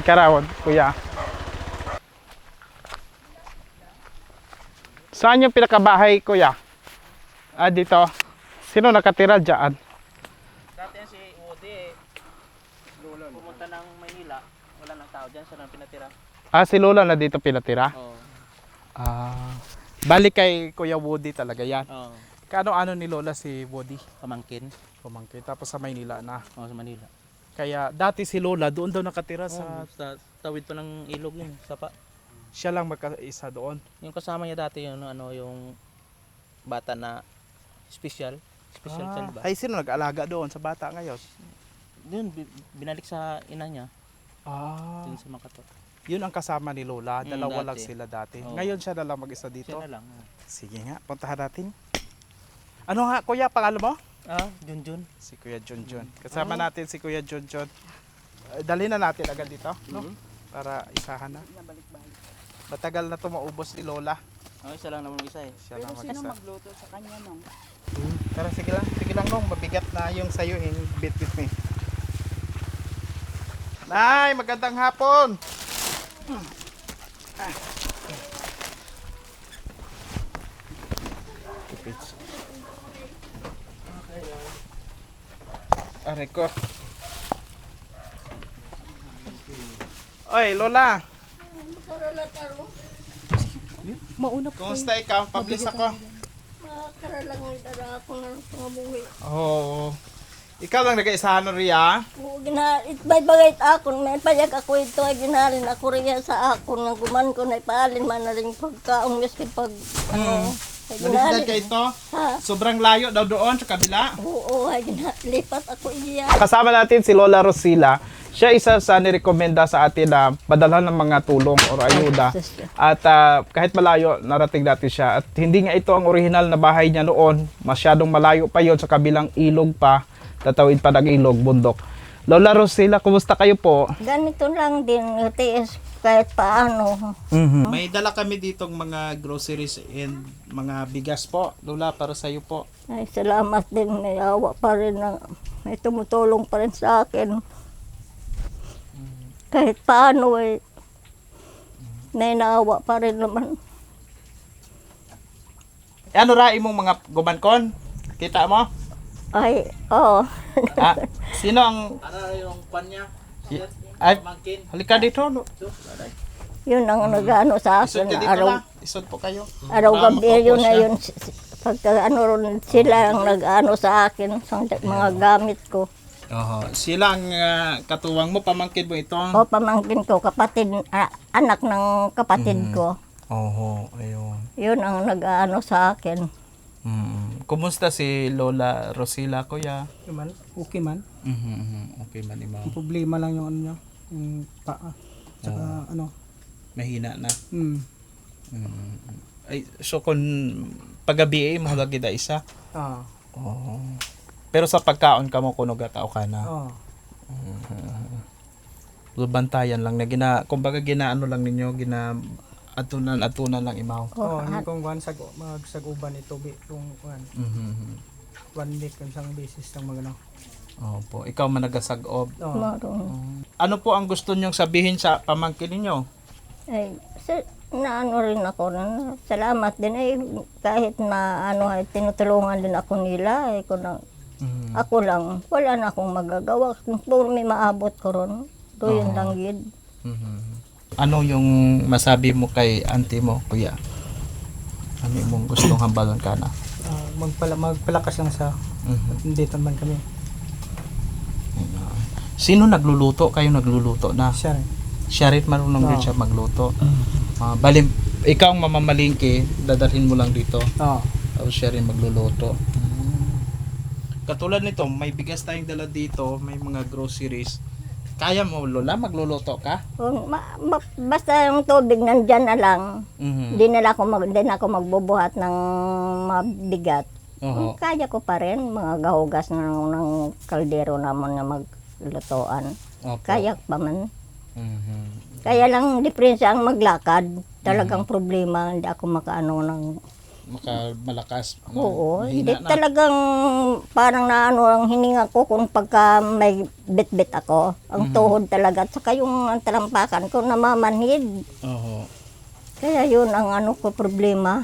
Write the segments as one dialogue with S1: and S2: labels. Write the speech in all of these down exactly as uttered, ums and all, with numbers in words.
S1: Ikarawad, kuya. Saan yung pinakabahay, kuya? Ah, dito. Sino nakatira dyan?
S2: Dati yan si Woody eh. Pumunta ng Maynila. Wala nang tao dyan. Siya nang pinatira.
S1: Ah, si Lola na dito pinatira?
S2: Oo.
S1: Ah, balik kay Kuya Woody talaga yan.
S2: Oo.
S1: Kaano-ano ni Lola si Woody?
S2: Pamangkin.
S1: Pumangkin. Tapos sa Maynila na.
S2: Oo, sa Manila.
S1: Kaya dati si Lola doon daw nakatira
S2: Sa,
S1: sa...
S2: sa tawid pa ng ilog yun. Sapa.
S1: Siya lang magkaisa doon.
S2: Yung kasama niya dati yung ano yung bata na special. Special
S1: Ah,
S2: child ba?
S1: ay, sino nag-alaga doon sa bata ngayon?
S2: Yun, bi- binalik sa ina niya.
S1: Ah,
S2: Dun sa Makato.
S1: yun ang kasama ni Lola.
S2: Mm,
S1: Dalawa
S2: dati.
S1: lang sila dati.
S2: Oo.
S1: Ngayon siya na lang mag-isa dito.
S2: Siya na lang. oh.
S1: Sige nga, puntahan natin. Ano nga, Kuya, pangalan mo?
S2: Ah, Junjun.
S1: Si Kuya Junjun. Kasama natin si Kuya Junjun. Uh, dali na natin agad dito, no? Para isahan na. Matagal na ito maubos ni Lola.
S2: Oh, isa lang naman yung isa eh.
S1: Siya
S3: Pero
S1: lang
S3: sino
S1: mag-isa.
S3: magluto sa kanya nung?
S1: Tara, sige lang. Sige lang, nung. Mabigat na yung sayo. Eh. Bit with me. Nay, magandang hapon. Ah. Aray ko. Oy, Lola.
S3: Mauna po.
S1: Kumusta ikaw? Pablis ako.
S3: Makakaralangan dara ako ng pangabuhi.
S1: Oo. Ikaw lang nag-isahan no Ria?
S3: Oo, gina, itbay bagay akon, may payag ako ito ay ginalin ako riya sa akon nga guman ko na ipaalin man na rin pagkaong miski pag ano. ay
S1: Nalisdad
S3: ginalin.
S1: ka ito?
S3: Ha?
S1: Sobrang layo daw doon sa kabila.
S3: Oo, ay ginalipat ako iya.
S1: Kasama natin si Lola Rosila. Siya isa sa nirekomenda sa atin na padalhan ng mga tulong o ayuda. At ah, kahit malayo, narating natin siya. At hindi nga ito ang original na bahay niya noon. Masyadong malayo pa yon sa kabilang ilog pa. Tatawid pa ng ilog, bundok. Lola Rosila, kumusta kayo po?
S3: Ganito lang din, tiis kahit paano.
S1: May dala kami ditong mga groceries and mga bigas po. Lola, para sa iyo po.
S3: Ay, salamat din, may awa pa rin na may tumutulong pa rin sa akin. Kahit paano eh, may naawa pa rin naman.
S1: Ano ra imong mga gumankon? Kita mo?
S3: Ay, oo.
S1: Ah, sino ang
S2: Ano yung kwan niya?
S1: ay,
S2: Pamangkin.
S1: halika dito. Lo.
S3: Yun ang nag-ano sa
S1: Isod
S3: akin.
S1: ka dito
S3: Araw,
S1: na. Isod po kayo.
S3: araw
S1: Para
S3: gabi
S1: makaupo
S3: yun na
S1: siya.
S3: yun. Pagka ano ron, sila ang nag-ano sa akin sa mga gamit ko.
S1: Oho. Sila ang ah, katuwang mo, pamangkin mo ito.
S3: O pamangkin ko, kapatid, ah, anak ng kapatid ko.
S1: Oho, ayun.
S3: Yun ang nag-ano sa akin.
S1: Mm. Kumusta si Lola Rosila, kuya?
S4: Okay man, okay man.
S1: Mhm. Okay man imaw.
S4: Ang problema lang yung ano niya, yung paa. Tsaka ano,
S1: Mahina na.
S4: hmm.
S1: Mm. Ay, so kung pagabi eh, mahagagida isa.
S4: Ah,
S1: Oo. Pero sa pagkaon ka mo kuno gatao ka na.
S4: oh.
S1: So, bantayan lang na gina, kumbaga ginaano lang ninyo, gina atunan atunan lang imaw.
S4: Oh, hindi kong kuhan sag magsaguban ito bi kung kuhan.
S1: Mhm.
S4: One week yung isang basis ng mga ano.
S1: Opo, ikaw man nagasag-ob.
S4: Oh.
S3: Maroon.
S1: Ano po ang gusto niyong sabihin sa pamangkin ninyo?
S3: Ay, sa, naano rin ako na salamat din ay kahit na ano ay tinutulungan din ako nila ay ko na,
S1: Mhm.
S3: ako lang wala na akong magagawa kung po may maabot ko ron to yun lang yun.
S1: Mhm. Ano yung masabi mo kay auntie mo, kuya? Ano yung gustong hambalan ka na?
S4: Ah, magpala magpalakas lang sa
S1: Mhm.
S4: dito man kami.
S1: Sino nagluluto? Kayo nagluluto na.
S4: Siya rin.
S1: Siya rin marunong rin
S4: Oo.
S1: siya magluto. Ah, bali, ikaw ang mamamalingki, dadalhin mo lang dito.
S4: Oh.
S1: Tapos siya rin magluluto. Katulad nito, may bigas tayong dala dito, may mga groceries. Kaya mo, Lola, magluluto ka?
S3: Kung ma- ma- basta yung tubig nandyan na lang,
S1: Mhm.
S3: hindi na lang ako mag, hindi na ako magbubuhat ng mabigat.
S1: Oo.
S3: Kaya ko pa rin mga gahugas ng, ng kaldero naman na maglutoan.
S1: Opo.
S3: Kaya pa man.
S1: Mhm.
S3: Kaya lang diferensya ang maglakad. Talagang problema, hindi ako makaano ng
S1: maka malakas.
S3: Oo, hindi
S1: mahina na.
S3: talagang parang naano ang hininga ko kung pagka may bit-bit ako. Ang tuhod talaga. At saka yung ang talampakan ko namamanhid.
S1: Oo.
S3: Kaya yun ang ano ko problema.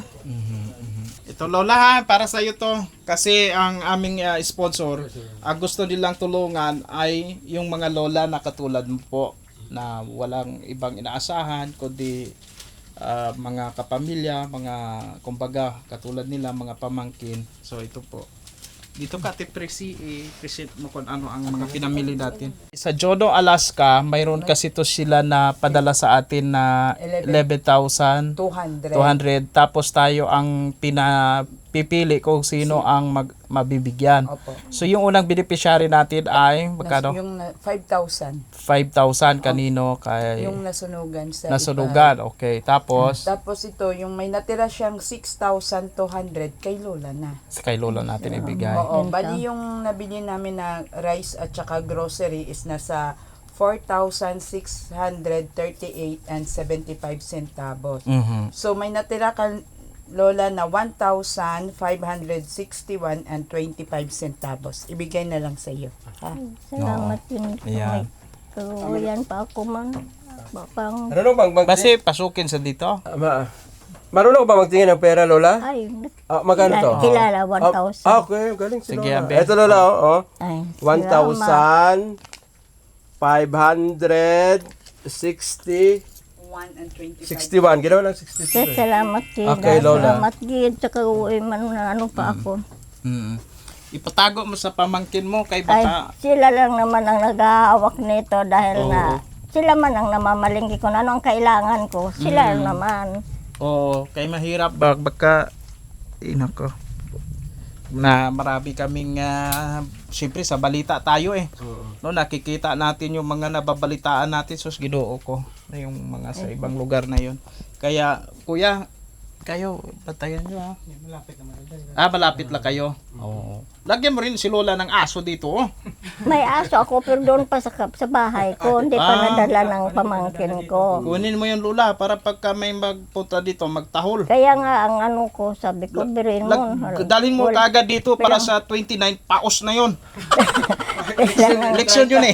S1: Ito Lola ha, para sa iyo to. Kasi ang aming uh, sponsor, ang gusto nilang tulungan ay yung mga lola na katulad mo po na walang ibang inaasahan kundi uh, mga kapamilya, mga kumbaga katulad nila, mga pamangkin. So ito po. Dito ka, Tipresi, i-present mo kung ano ang mga pinamili natin. Sa Jono, Alaska, mayroon kasi to sila na padala sa atin na eleven thousand
S5: two hundred.
S1: two hundred. Tapos tayo ang pinapipili kung sino ang mag, mabibigyan.
S5: Opo.
S1: So yung unang beneficiary natin ay
S5: Nas,
S1: magkano?
S5: yung na- five thousand.
S1: five thousand kanino kay
S5: Yung nasunugan sa
S1: nasunugan. Okay. Tapos
S5: iba. Tapos ito, yung may natira siyang six thousand two hundred kay Lola na.
S1: sa kay Lola natin ibigay.
S5: Oo, bali yung nabili namin na rice at saka grocery is nasa four thousand six hundred thirty-eight and seventy-five centavos.
S1: Mhm.
S5: So may natira ka Lola na one thousand five hundred sixty-one and twenty-five centavos. Ibigay na lang sa iyo. Ha?
S3: Salamat din.
S1: Ayan.
S3: Kawayan pa ako man. Pang,
S6: Marunong bang magtingin?
S1: Basi pasukin sa dito.
S6: Ah, ma- Marunong ka ba magtingin ng pera, Lola?
S3: ay,
S6: Ah, magkano to?
S3: kilala, one
S6: Ah,
S3: thousand.
S6: Ah, okay. Galing si
S1: Sige,
S6: Lola.
S1: Abe.
S6: Ito, Lola, oh. oh.
S3: Ay,
S6: one thousand five hundred sixty
S5: one and twenty-five.
S6: sixty-one. Ginawa lang sixty-two.
S3: Sir,
S6: eh.
S3: salamat Gid.
S6: Okay, Lola.
S3: Salamat Gid. Saka uwi man na ano pa ako.
S1: Mhm. Ipatago mo sa pamangkin mo kay
S3: Ay,
S1: baka
S3: sila lang naman ang naghahawak nito dahil na sila man ang namamalingki kung ano ang kailangan ko. Sila naman.
S1: oo, kay mahirap bag baka ina ko. Na marami kaming uh, siyempre sa balita tayo eh. No, nakikita natin yung mga nababalitaan natin sus Ginoo ko na yung mga sa ibang lugar na yon. Kaya kuya, kayo batayan niyo ha. Malapit naman. Ah, malapit lang kayo. Oo. Lagyan mo rin si Lola ng aso dito. Oh.
S3: May aso ako pero doon pa sa, kap- sa bahay ko. Hindi pa
S1: Ah.
S3: nadala ng pamangkin ko.
S1: Kunin mo yung Lola para pagka may magpunta dito magtahol.
S3: Kaya nga ang ano ko, sabi ko, birin mo.
S1: Lag, dalhin mo kaagad dito para sa twenty-nine paos na yon.
S3: Kailangan,
S1: Leksyon yun eh.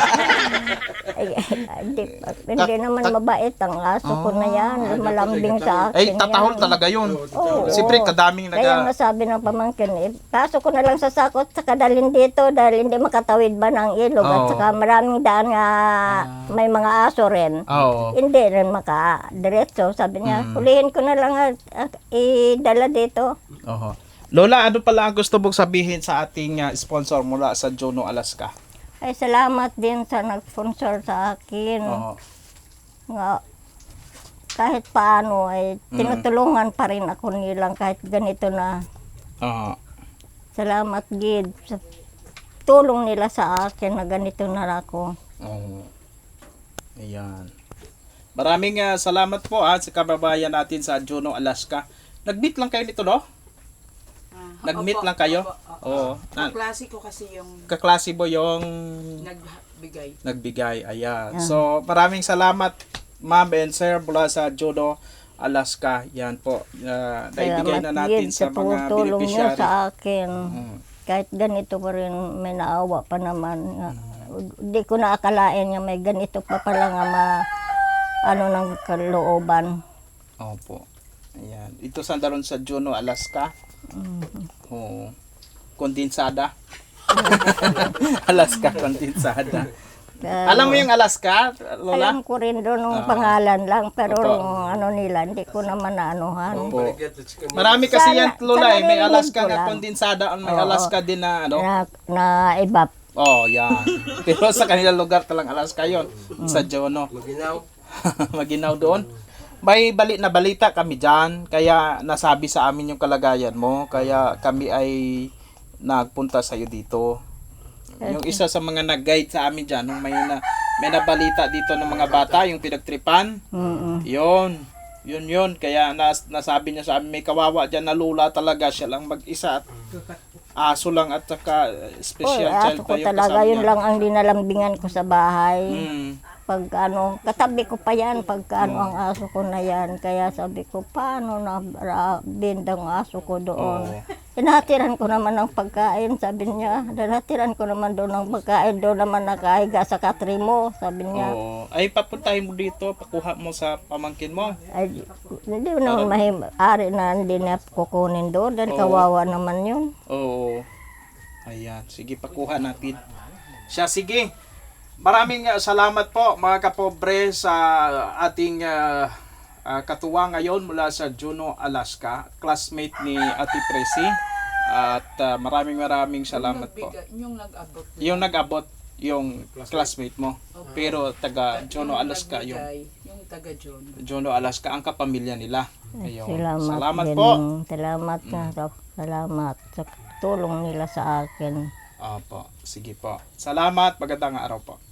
S3: ay, ay, hindi, hindi naman mabait ang aso ko na yan. Malambing sa akin
S1: Ay, tatahol
S3: yan.
S1: talaga yun.
S3: Oo.
S1: Siyempre, kadaming
S3: Kaya
S1: naga...
S3: nasabi ng pamangkin, eh, pasok ko na lang sa sakot, saka dalhin dito dahil hindi makatawid ba ng ilog at
S1: Oo.
S3: saka maraming daan nga may mga aso rin.
S1: Oo.
S3: Hindi rin makadiretso. Sabi niya,
S1: Mm.
S3: hulihin ko na lang at at idala dito.
S1: Oho. Lola, ano pala ang gusto mong sabihin sa ating uh, sponsor mula sa Jono, Alaska?
S3: Ay, salamat din sa nag-sponsor sa akin.
S1: Oo.
S3: Nga, kahit paano ay tinutulungan pa rin ako nilang kahit ganito na.
S1: Oo.
S3: Salamat Gid sa tulong nila sa akin na ganito na ako.
S1: Oo. Ayan. Maraming uh, salamat po ah, sa kababayan natin sa Jono, Alaska. Nag-meet lang kayo nito, no? Nag-meet lang kayo? Oo. Na,
S5: Klase ko kasi yung
S1: kaklase mo yung
S5: nagbigay.
S1: nagbigay. Ayan. So, maraming salamat, ma'am and sir, mula sa Jono, Alaska. Yan po. Uh, naibigay na natin
S3: Gid,
S1: sa mga
S3: tulong niyo
S1: beneficiary.
S3: sa akin.
S1: Mm.
S3: Kahit ganito pa rin may naawa pa naman. Nga, Hindi ko na akalain nga may ganito pa pala nga ma, ano ng kalooban.
S1: Opo. Ayan. Ito sandaron sa Juneau, Alaska. Oo. Kondensada. Alaska kondensada.
S3: Kaya,
S1: Alam mo yung Alaska, Lola?
S3: alam ko rin doon ng
S1: Ah.
S3: pangalan lang, pero
S1: Opo.
S3: yung ano nila, hindi ko naman naanuhan.
S1: Opo. Marami kasi
S3: Sana-
S1: yan, Lola, eh. May
S3: sana
S1: Alaska
S3: narinig ko
S1: na
S3: lang.
S1: kondensada, may
S3: Oo.
S1: Alaska din na ano.
S3: Na, na iba.
S1: Oh, yan. Pero sa kanilang lugar talang Alaska yon, sa Juneau.
S6: Maginaw.
S1: Maginaw doon. May bali na balita kami dyan, kaya nasabi sa amin yung kalagayan mo, kaya kami ay nagpunta sa iyo dito. Yung isa sa mga nag-guide sa amin dyan, nung may, na, may nabalita dito ng mga bata, yung pinagtripan,
S3: Mm-mm.
S1: yun, yun yun, kaya nas, nasabi niya sa amin, may kawawa dyan na lula talaga, siya lang mag-isa at aso lang at saka
S3: Oh,
S1: special
S3: aso
S1: child
S3: ko
S1: pa yung
S3: talaga,
S1: kasama
S3: yun
S1: niya.
S3: lang ang dinalambingan ko sa bahay.
S1: Hmm.
S3: pag ano, katabi ko pa yan, pag ano ang aso ko na yan. Kaya sabi ko, paano na ra- bindang aso ko doon?
S1: Oo.
S3: Hinatiran ko naman ng pagkain, sabi niya. Hinatiran ko naman doon ng pagkain, doon naman nakahiga sa katri mo, sabi niya.
S1: Oo. Ay, papuntahin mo dito, pakuha mo sa pamangkin mo.
S3: Ay, hindi ko naman mahim-ari na hindi na kukunin doon, dahil
S1: Oo.
S3: kawawa naman yun.
S1: Oo. Ayan, sige, pakuha natin. Siya, sige. Maraming uh, salamat po mga kapobre sa ating uh, uh, katuwa ngayon mula sa Juneau, Alaska, classmate ni Ate Presi. At uh, maraming maraming salamat po.
S5: Nagbiga- Yung nag-abot.
S1: Yung nag-abot yung classmate mo. Pero taga Juneau,
S5: Yung
S1: Alaska yung
S5: nagbigay, Yung taga John.
S1: Juneau, Alaska ang kapamilya nila. Ayun.
S3: Salamat,
S1: Salamat
S3: din.
S1: po.
S3: Salamat na, salamat sa tulong nila sa akin.
S1: Opo, sige po. Salamat, magandang araw po.